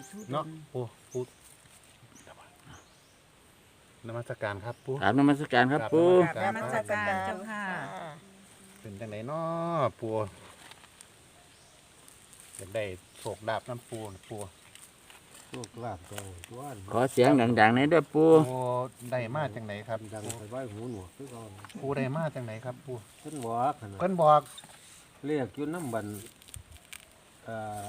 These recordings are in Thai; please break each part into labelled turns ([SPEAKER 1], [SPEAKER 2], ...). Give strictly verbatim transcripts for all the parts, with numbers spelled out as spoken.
[SPEAKER 1] เนาะปูปูนมัสการครับปู
[SPEAKER 2] ถามนมัสการครับปู
[SPEAKER 1] กราบ
[SPEAKER 3] นมัสการเจ้าค่ะ
[SPEAKER 1] เป็นจังไหนเนาะปูอยากได้โศกดาบน้ำปูน่ะปู
[SPEAKER 4] โชคลาภเจ้าตัว
[SPEAKER 2] ขอเสียงดังๆหน่อยเด้วยปู
[SPEAKER 1] ปูได้มาจังไหนครับ
[SPEAKER 4] ดังไปไว้หูหนวกคือก่อน
[SPEAKER 1] ปูได้มาจังไหนครับปู
[SPEAKER 4] เพิ่นบอกขนาด
[SPEAKER 1] เพิ่นบอก
[SPEAKER 4] เรียกอยู่น้ำบันเอ่อ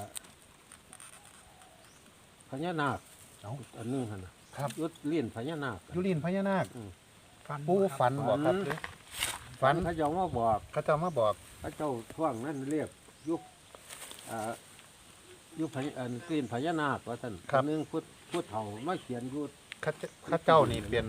[SPEAKER 4] พญานาค
[SPEAKER 1] เอ้า
[SPEAKER 4] อันนึงหั่นน่ะ
[SPEAKER 1] ครับ
[SPEAKER 4] ยุดเลียนพญานาค
[SPEAKER 1] ยุลินพญานาค
[SPEAKER 4] อืม
[SPEAKER 1] ปูฝันบอกครับหรือฝัน
[SPEAKER 4] เขาเจ้ามาบอก
[SPEAKER 1] เขาเจ้ามาบอก
[SPEAKER 4] เขาเจ้าท่วงนั้นเรียกยุคเอ่อยุคพญาอันเลียนพญานาคว่าท่านอันนึงพุทธพุทธเฒ่ามาเขียนอยุด
[SPEAKER 1] เขาเจ้าเขาเจ้านี่เป็น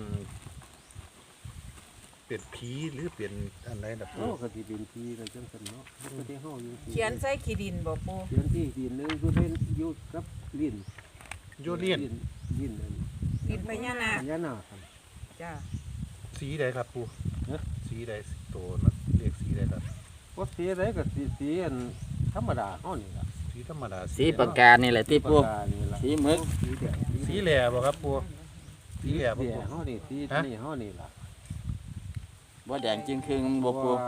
[SPEAKER 1] เป็นผีหรือเป็นอะไรแบบ
[SPEAKER 4] โอ้กติเป็นทีกันจังซั่นเนาะมันก็ได้เฮาอยู่ที่
[SPEAKER 3] เขียนใส่ขีดินบ่ปู
[SPEAKER 4] เขียนที่ดินนึงอยู่เล่นอยู่กับลิ้น
[SPEAKER 1] ยุลิน
[SPEAKER 4] ลิ้นอัน
[SPEAKER 3] ดินพญานาค
[SPEAKER 4] พญานาคครับ
[SPEAKER 3] จ้า
[SPEAKER 1] สีใดครับปู
[SPEAKER 4] เอ๊ะ
[SPEAKER 1] สีใดสีโตนะเรียกสีใดครับ
[SPEAKER 4] ว่าสีอะไรก็สีสีอันธรรมดาเฮานี่ล่ะ
[SPEAKER 1] สีธรรมดา
[SPEAKER 2] สีปากกานี่แหละที่ปู
[SPEAKER 4] ปากกานี่ล่ะ
[SPEAKER 2] สีหมึก
[SPEAKER 4] สีแดง
[SPEAKER 1] สีแหล่บ่ครับปูสีแหล่บ่
[SPEAKER 4] สี
[SPEAKER 1] ปู
[SPEAKER 4] เฮานี่สี
[SPEAKER 1] ฮะ
[SPEAKER 4] นี่เฮานี่ล่ะ
[SPEAKER 2] บ่แดงจึงครึ่งบ่ปู
[SPEAKER 4] ว่า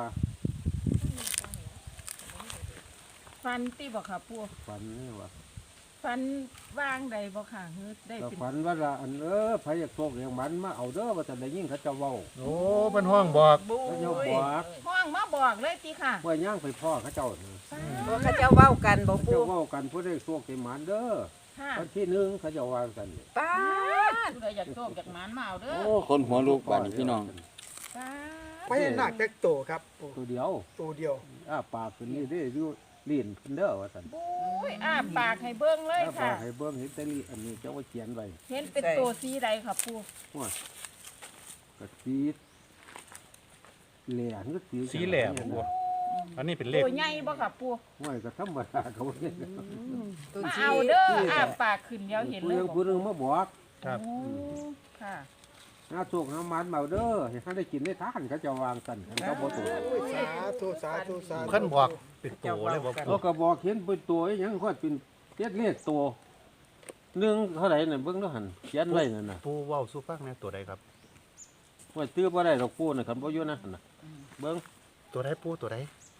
[SPEAKER 5] ฟันตีบอกค่ะปู
[SPEAKER 4] ฝันนี่ว่า
[SPEAKER 5] ฟันวางใดบอกค่ะเฮ้ยได้
[SPEAKER 4] ก็
[SPEAKER 5] เป็น
[SPEAKER 4] ฝันว่าละอันเออไผอยากโชคอย่างมันมาเอาเด้อว่าแต่ได้ยินเขาเจะเว้า
[SPEAKER 1] โอ้เป็นห้องบอก
[SPEAKER 5] บุ
[SPEAKER 4] เขาเจ้าบอก
[SPEAKER 5] ห้องมาบอกเลยตีค่ะ
[SPEAKER 4] ว่าย่างไปพ่อเขาเจ้าน่ะ
[SPEAKER 3] บ่เขาเจ้าเว้ากันบ่
[SPEAKER 4] เขา
[SPEAKER 3] ปู
[SPEAKER 4] เจ้าเว้ากันผู้ได้โชคได้หมานเด้อ
[SPEAKER 5] ค่ะ
[SPEAKER 4] วันที่หนึ่งเขาเจะวางกัน
[SPEAKER 3] ป้าด
[SPEAKER 5] ผู้ใดอยากโชคอยากหมานมาเอาเด้อ
[SPEAKER 2] โอ้คนหัวลูกบ้านนี่พี่น้อง
[SPEAKER 5] ป้า
[SPEAKER 6] พญานาคจักโตครับโอ้
[SPEAKER 4] ตัวเดียว
[SPEAKER 6] ตัวเดียว
[SPEAKER 4] อ้าปากขึ้นนี่ได้ดูลิ้นขึ้นเด้อว่าซั่น
[SPEAKER 5] บุ้ยอ้าปากให้เบิ้งเลย
[SPEAKER 4] อ้าปา
[SPEAKER 5] ค่ะ
[SPEAKER 4] กให้เบิ่งเห็นแต่ลิ้นอันนี้เจ้าว่าเขียนไว้
[SPEAKER 5] เห็นเป็นตัวสีใดค่ะปู
[SPEAKER 4] ว่ากระสีแหล่ก็สี
[SPEAKER 1] สีแหล่บ่ปูอันนี้เป็นเลข
[SPEAKER 5] ตัวใหญ่บ่ค่ะปู
[SPEAKER 4] ห้วยก็ธรรมดาเขาเนี่ย
[SPEAKER 3] ตัว
[SPEAKER 5] มา
[SPEAKER 3] สี
[SPEAKER 5] เอาเด้ออ้าปากขึ้นเดียวเห็น
[SPEAKER 4] ผู้
[SPEAKER 5] เล
[SPEAKER 4] ห
[SPEAKER 5] ย
[SPEAKER 4] นึง
[SPEAKER 5] บอก
[SPEAKER 4] ผู้หนึงมาบอก
[SPEAKER 1] ครับ
[SPEAKER 5] โอ้ค่ะ
[SPEAKER 4] หาโชคหาหมันมาเอาเด้อให้เขาได้กินได้ทานเขาจะวางกันเขาบ่ตัว
[SPEAKER 6] โอ้ยสาธุสาธุสาธุ
[SPEAKER 1] ขั้นบอกเป็นโตเลยบ่
[SPEAKER 4] แล้
[SPEAKER 1] ปู
[SPEAKER 4] วก็บอกเห็นเป็นตัวอีหยังค่อยเป็นเรียกเรียกตัวหนึ่งเท่าไหร่น่ะเบิ่งดูหั่นเขียนไว้นั่นน่ะ
[SPEAKER 1] ปูเว้าสู่ฟังแหน่ตัวใดครับ
[SPEAKER 4] ว่าตื้อบ่ได้ดอกปูน่ะคันบ่อยู่นะหั่นน่ะเบิ่ง
[SPEAKER 1] ตัวใดปูตัวใด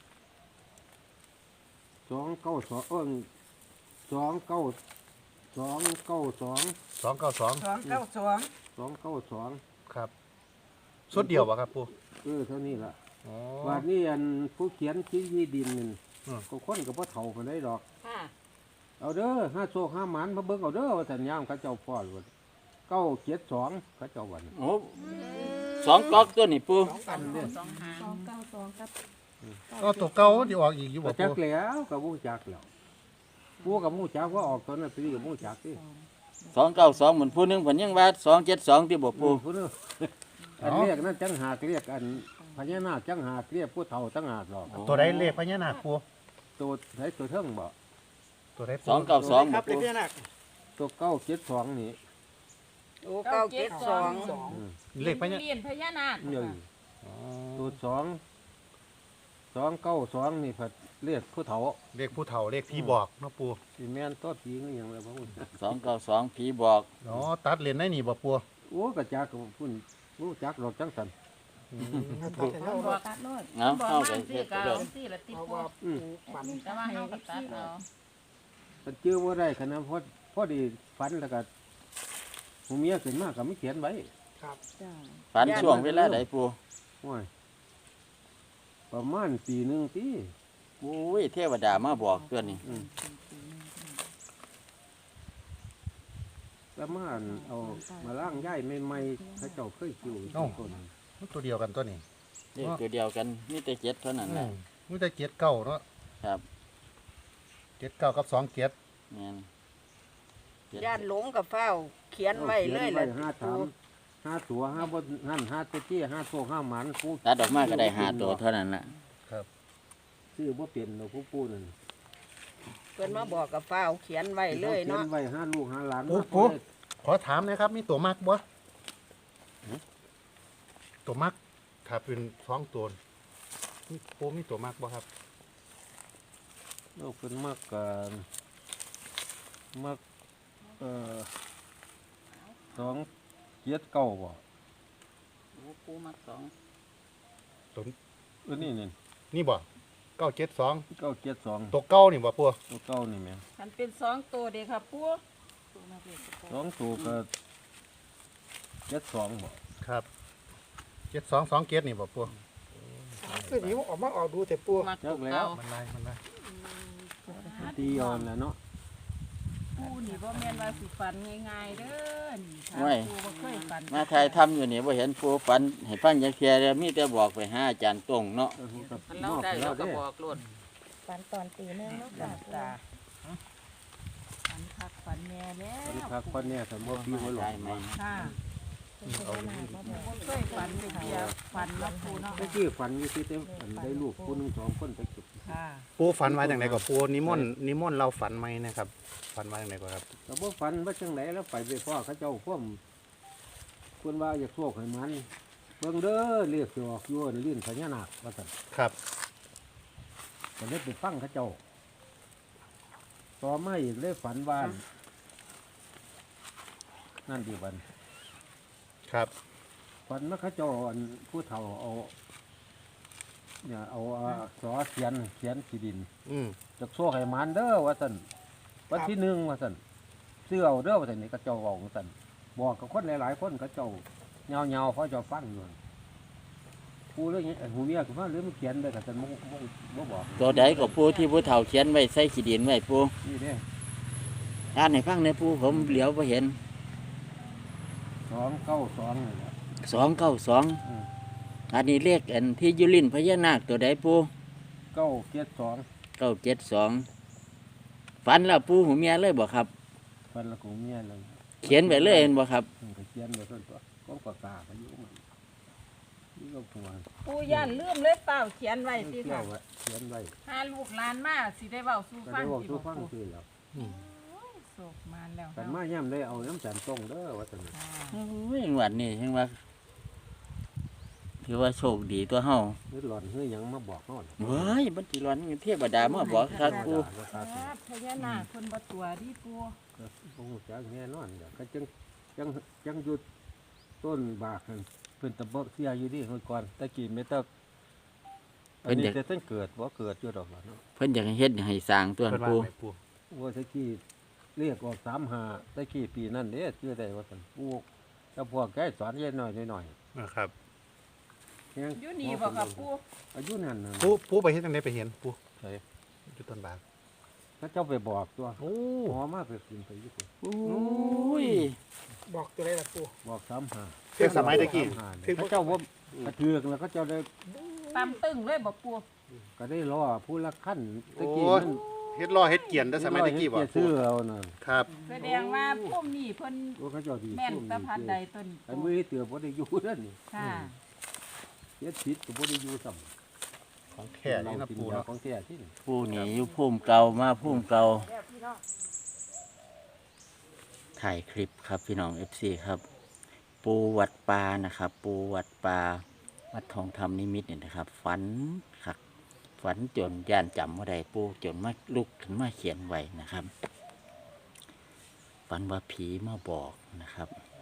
[SPEAKER 4] สองเก้าสองเอิ้นสองเก้าสองเก้าสอง
[SPEAKER 1] สองเก้าสอง
[SPEAKER 3] สองเก้าสอง
[SPEAKER 4] สองเก้าสอง
[SPEAKER 1] ครับสุดเดียวบ่ครับปู
[SPEAKER 4] เออเท่านี้ล่ะ
[SPEAKER 1] อ๋อ
[SPEAKER 4] ว่านี่อันผู้เขียนที่ที่ดินนี่
[SPEAKER 1] อืม
[SPEAKER 4] ก็คนก็บ่เฒ่าปานใดดอก
[SPEAKER 5] ค่ะ
[SPEAKER 4] เอาเด้อห้าโชคห้าหมันมาเบิ่งเอาเด้อว่าสัญญามเขาเจ้าพ่อว่าเก้าเจ็ดสองเขาเจ้าวัน
[SPEAKER 2] โอ้สองก๊อกตัวนี่ปู
[SPEAKER 6] สองอันเนี่ย
[SPEAKER 5] สองหาง
[SPEAKER 1] ก็ตัวเก่าที่ออกอีกอยู่บ่
[SPEAKER 4] ก็จั
[SPEAKER 1] ปู
[SPEAKER 4] กแล้วก็บ่จักแล้วผู้กับบ่จักว่าออกตอนนั้นปีกับบ่จักติ
[SPEAKER 2] สองเก้าสองเหมือนผู้หนึงเพิ่นยังว่าสองเจ็ดสองที่บ่ปู
[SPEAKER 4] ผู้นึงอันเรียกนั้นจังหากเรียกอันพญานาคจังหากเรียกผู้เฒ่าจังหากดอก
[SPEAKER 1] ตัวใดเลขพญานาคปู
[SPEAKER 4] ตัวไหนตัวเทิงบ่
[SPEAKER 1] ตัวใด
[SPEAKER 2] สองเก้าสอง
[SPEAKER 6] ค
[SPEAKER 2] บ่
[SPEAKER 6] รับเล
[SPEAKER 2] ปู
[SPEAKER 6] ขพญานาค
[SPEAKER 4] ตัวเก้าเจ็ดสองนี่
[SPEAKER 3] โอ้เก้าเจ็ดสอง
[SPEAKER 6] สอง
[SPEAKER 4] อืม
[SPEAKER 1] เลขพญา
[SPEAKER 5] เรียนพญานาค
[SPEAKER 4] นี่
[SPEAKER 5] ค่ะ
[SPEAKER 1] อ๋อ
[SPEAKER 4] ตัวสองสองเก้าสองนี่ผัดเรียกผู้เฒ่า
[SPEAKER 1] เลขผู้เฒ่าเลขพี่บอกเนาะปู
[SPEAKER 4] สิแม่นตัวผีนี่หยังแล้วบ่ฮู้
[SPEAKER 2] สองเก้าสองผีบอก
[SPEAKER 1] อ๋อตัดเลนได้นี่บ่ปู
[SPEAKER 4] โอ้กระจักกับพุ่นรู้จักดอกจังสัน
[SPEAKER 6] ตัดให้เรา
[SPEAKER 5] บอก
[SPEAKER 6] ตัด
[SPEAKER 2] เอา
[SPEAKER 5] บอก
[SPEAKER 2] เอา
[SPEAKER 5] มา
[SPEAKER 2] ไป
[SPEAKER 5] สิ
[SPEAKER 2] เฮ็ด
[SPEAKER 5] กา
[SPEAKER 2] เด้อ
[SPEAKER 5] สิละติ
[SPEAKER 6] เพราะ
[SPEAKER 5] ปู
[SPEAKER 6] ว่าปูฝัน
[SPEAKER 5] แต่ว่าเฮาก็ตัดเอา
[SPEAKER 4] มันเจอว่าได้ขนาดพอพอดีฝันแล้วก็หูเมียขึ้นมาก็ไม่เขียนไว้
[SPEAKER 6] ครับ
[SPEAKER 2] ฝันช่วงเวลาใดปู
[SPEAKER 4] โอ้ยประมาณปีหนึ่งปี
[SPEAKER 2] โอ้ยเทวดามาบอกตัวนี้
[SPEAKER 4] อืมประมาณเอามาล่างย่ายใหม่ๆเขาเจ้าเคยคิวต้น
[SPEAKER 1] มันตัวเดียวกันตัวนี้
[SPEAKER 2] เลขตัวเดียวกันมีแต่เจ็ดเท่านั้นแห
[SPEAKER 1] อื
[SPEAKER 2] ละ
[SPEAKER 1] มมันจะเกียรเก้าเนาะ
[SPEAKER 2] ครับ
[SPEAKER 1] เกียรเก้ากับสองเกียร
[SPEAKER 2] แม่นเจ็ด
[SPEAKER 3] ย่านหลงกับเฝ้า เขียนไว้เลย
[SPEAKER 4] ขี
[SPEAKER 3] ล่ะ
[SPEAKER 4] นไห้า
[SPEAKER 3] ปู
[SPEAKER 4] ถามห้าตัวห้าบนนั่นห้าเตี้ยห้าโซ่ห้าหมันผู้
[SPEAKER 2] ตัดออกมาก็ได้ห้าตัวเท่านั้นละ
[SPEAKER 4] ชื่อว่าเปลี่ยนเราผู้ปูนั่น
[SPEAKER 3] เพิ่นมาบอกกับเฝ้าเขียนไว้เลยเนาะ
[SPEAKER 4] ขีนไว้ห้าลูกห้าหลาน
[SPEAKER 1] ปูปูขอถามหนะครับ มีตัวมักบ่ตัวมักถ้าเป็นสองตัวมีปูมีตัวมักบ่ครับ
[SPEAKER 4] เราเป็นมากกันมากเอ่อสองเจ็ดเก้าบ่
[SPEAKER 3] โอ้ปูมักสอง
[SPEAKER 1] ตัว
[SPEAKER 4] เออนี่นี่
[SPEAKER 1] นี่บ่เก้าเจ็ดสอง
[SPEAKER 4] เก้าเจ็ดสอง
[SPEAKER 1] ตัวเก้านี่บ่ปู
[SPEAKER 4] ตัวเก้านี่แม่
[SPEAKER 3] มันเป็นสองตัวเด้ค่ะปูปูมักเลข
[SPEAKER 4] สองตัวก็เจ็ดสองบ่
[SPEAKER 1] ครับเจ็ดสองสองเจ็ดนี่บ่ปู
[SPEAKER 6] คือนี้ออกมาออกดูแต่ปู
[SPEAKER 3] มักตัวเก่า
[SPEAKER 1] มันลายมันลาย
[SPEAKER 4] ตีเอ่อนแหล้วเนาะ
[SPEAKER 5] ปูนี่บ่แม่นว่าสิฝันง่ายๆเด้อนี่ค่ะ
[SPEAKER 2] โอ้ย
[SPEAKER 5] ปูบ่เคยฝัน
[SPEAKER 2] มาถ่ายทำอยู่นี่บ่เห็นปูฝันให้ฟังจักเที่ยเดียวมีแต่บอกไปหาอาจารย์ตรงเนาะ
[SPEAKER 4] เออผมก็
[SPEAKER 3] มันเรา
[SPEAKER 4] มอบ
[SPEAKER 3] ได้
[SPEAKER 4] ให้
[SPEAKER 3] เรา
[SPEAKER 4] แล้ว
[SPEAKER 3] ก็
[SPEAKER 4] เด้
[SPEAKER 3] บอกโลด
[SPEAKER 5] ฝันตอนตีนึงเนาะค่ะฝันคักฝันแม่แล้
[SPEAKER 4] บริ
[SPEAKER 5] ว
[SPEAKER 4] พักคนเนี่ยสมมติพี่บ่หล
[SPEAKER 2] ได้
[SPEAKER 4] ง
[SPEAKER 2] ไหม
[SPEAKER 5] ค่ะบ่เคยฝันเลยเดียวฝันว่าปูเนาะ
[SPEAKER 4] เมื่อกี้ฝันอยู่ที่เต็มฝันได้ลูกผู้หนึงสองคนไปเก็บ
[SPEAKER 5] ค่ะ
[SPEAKER 1] ปูฝันไว้จังไดก็ปูนิมนต์นิมนต์เราฝันไหมนะครับฝันไว้จังไดก็ครับ
[SPEAKER 4] แต่บ่ฝันว่าจังไหนแล้วไปไปพ่อเขาเจ้าพ่วมคนว่าอยากโชคให้มันเบิ่งเด้อเรียกสิออกอยู่อันลิ้นพญานาคว่าซั่น
[SPEAKER 1] ครับ
[SPEAKER 4] ก็เลยไปฟังเขาเจ้า ต่อมาอีกเลยฝันว่านั่นดีวัน
[SPEAKER 1] ครับ
[SPEAKER 4] ฝันว่าเขาเจ้าอันผู้เฒ่าเอาเนี่ยเอาอ่าสอเขียนเขียนขีดิน
[SPEAKER 1] อืม
[SPEAKER 4] จากโซ่ให้มันเด้อว่าสันวันที่หนึ่งว่าสันเสื้อเอาเด้อว่าสันนี่ก็เจ้าบอกว่าสันบอกกับคนหลายๆคนก็เจ้าเงาเงาๆเขาเจ้าฟังอยู่กูเรื่องนี้หูเมียคือว่าเรื่องมันเขียนได้กับสันบ่บ่บ่บอก
[SPEAKER 2] ตัวใดก็ปูที่ผู้เฒ่าเขียนไว้ใส่ขี้ดินไว้ปู
[SPEAKER 4] นี่เด้
[SPEAKER 2] อ่านให้ฟังในอยปูผมเหลียวบ่เห็น
[SPEAKER 4] สองเก้าสองนี่แหละ
[SPEAKER 2] สองเก้าสอง
[SPEAKER 4] อืม
[SPEAKER 2] อันนี้เลขอันที่อยุลินพญานาคตัวใดปู
[SPEAKER 4] เก้าเจ็ดสอง
[SPEAKER 2] เก้าเจ็ดสองฝันแล้วปูหูเมียเลยบ่ครับ
[SPEAKER 4] ฟันละกูเมียเลย
[SPEAKER 2] เขียนไปเลยเห็นบ่ครับ
[SPEAKER 4] มันก็เขียนไปส่วนตัวก็ปากกาไปอยู่มันนี่ก็ตัว
[SPEAKER 3] ปูย่านลืมเลยเปล่าเขียนไว้สิ
[SPEAKER 4] เที่ย
[SPEAKER 3] ค่ะ
[SPEAKER 4] วไว้เขียนไว้
[SPEAKER 5] ถ้าลูกหลานมาสิได้เว้าสู่
[SPEAKER 4] ก็
[SPEAKER 5] ฟั
[SPEAKER 4] ได้
[SPEAKER 5] ง
[SPEAKER 4] บอก
[SPEAKER 5] สิ
[SPEAKER 4] ทุก
[SPEAKER 5] บ่
[SPEAKER 4] ฟัง
[SPEAKER 5] ปู
[SPEAKER 4] คือแล้ว
[SPEAKER 5] โศกมาแล้ว
[SPEAKER 4] กัน
[SPEAKER 5] เนาะ
[SPEAKER 4] มาย่ำได้เอาน้ำจันตรงเด้อว่าสัน
[SPEAKER 5] ค่ะ
[SPEAKER 2] โอ้ยงวดนี้จังว่าถือว่าโชคดีตัวเฮา
[SPEAKER 4] นี่หล่อนเฮ้ยยังมาบอกเขาน่ะ
[SPEAKER 2] เว้ยบัดสิร้อนเทพดามาบอกครับปู
[SPEAKER 4] ว่าตา
[SPEAKER 5] ค
[SPEAKER 4] สิ
[SPEAKER 5] รับพญานาคเพิ่นบ่ตัวดิปู
[SPEAKER 4] ก็คงจะแน่นอนเดี๋ยวก็จังจังจังหยุดต้นบากนั่นเพิ่นตะเบกเสียอยู่ดิเมื่อก่อนตะกี้ไม่ต้องอันนี้แต่ต้นเกิดบ่เกิดอยู่ดอกล่ะเนาะ
[SPEAKER 2] เพิ่นอยากให้เฮ็ดให้สร้างตัว
[SPEAKER 1] เพิ่นว่า
[SPEAKER 2] ปู
[SPEAKER 1] ไหนปู
[SPEAKER 4] ว่าตะกี้เรียกออกสามหาตะกี้ปีนั้นเด้ชื่อได้ว่าซั่นปลูกแล้วพวกแกสอนเย็นหน่อยหน่อย
[SPEAKER 1] นะครับ
[SPEAKER 4] แฮง
[SPEAKER 5] อยู่นี่บ่ครับปู
[SPEAKER 4] อายุนั่นน่ะ
[SPEAKER 1] ปูปูไปเฮ็ดจังไดไปเห็นปู
[SPEAKER 4] ใช่
[SPEAKER 1] อยู่ต้นบาก
[SPEAKER 4] ถ้าเจ้าไปบอกตัว
[SPEAKER 1] โอ้
[SPEAKER 4] หอมาไปกินไปอยู่พุ่น
[SPEAKER 2] โอ้ย
[SPEAKER 6] บอกตัวไรล่ะปู
[SPEAKER 4] บอกสามหา
[SPEAKER 1] เรื่องสมัยตะกี้
[SPEAKER 4] สามหาเนี่ยเขาเจ้าว่ากระเทือกแล้วก็เจ้าได้
[SPEAKER 5] ตามตึงเลยบ่ปู
[SPEAKER 4] ก็ได้รอผู้ละขั้นตะกี้
[SPEAKER 1] โอ้ย
[SPEAKER 4] มัน
[SPEAKER 1] เฮ็ดล้อเฮ็ดเกียนแต่สมัยตะกี้บ่
[SPEAKER 4] เฮ็ดเสื้อเอาน่ะ
[SPEAKER 1] ครับ
[SPEAKER 5] แสดงว่าพุ่มนี่เพิ่น
[SPEAKER 4] ว่าเขาเจ้าดี
[SPEAKER 5] แม่นตะพันใดต้น
[SPEAKER 4] ไอ้
[SPEAKER 5] ปู
[SPEAKER 4] มือเตือบ่ได้อยู่นั่นนี่
[SPEAKER 5] ค่ะ
[SPEAKER 4] เฮ็ดผิดก็บ่ได้อยู่ซ้ำ
[SPEAKER 1] ของแท้นี่นะปู
[SPEAKER 4] กิยา
[SPEAKER 1] เนาะ
[SPEAKER 4] ของแท้ที่นี่
[SPEAKER 2] ผู้นี่อยู่ภูมิเก่ามาภูมิเก่าถ่ายคลิปครับพี่น้อง เอฟ ซี ครับ ปูวัดปลานะครับ ปูวัดปลาวัดทองธรรมนิมิตรเนี่ยนะครับ ฝันคักฝันจนย่านจำว่าใดปูจนมาลุกขึ้นมาเขียนไว้นะครับ ฝันว่าผีมาบอกนะครับ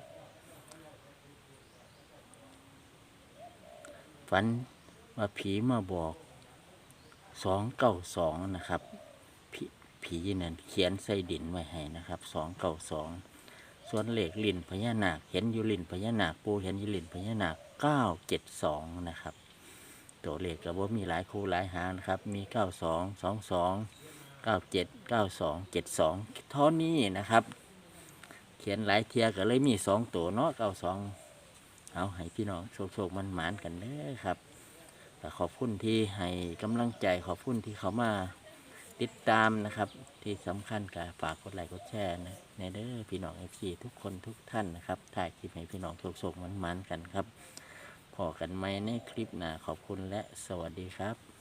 [SPEAKER 2] ฝันว่าผีมาบอกสองเก้าสองนะครับผผีนั่นเขียนใส่ดินไว้ให้นะครับสองเก้าสองส่วนเหล็กลินพญานาคเห็นอยู่ลินพญานาคปูเห็นอยู่ลินพญานาคเก้าเจ็ดสองนะครับตัวเลขก็บ่มีหลายคู่หลายหางนะครับ มีเก้าสองสองสองเก้าเจ็ดเก้าสองเจ็ดสองเท่านี้นะครับ เขียนหลายเทียก็เลยมีสองตัวเนาะเก้าสองเอาให้พี่น้องโชคๆมันหมานกันเด้อครับแต่ขอบคุณที่ให้กำลังใจขอบคุณที่เขามาติดตามนะครับ ที่สำคัญก็ฝากกดไลค์กดแชร์นะในเด้อพี่น้องเอฟซีทุกคนทุกท่านนะครับถ่ายคลิปให้พี่น้องโชคๆมันหมานกันครับพอกันไหมในคลิปหน้าขอบคุณและสวัสดีครับ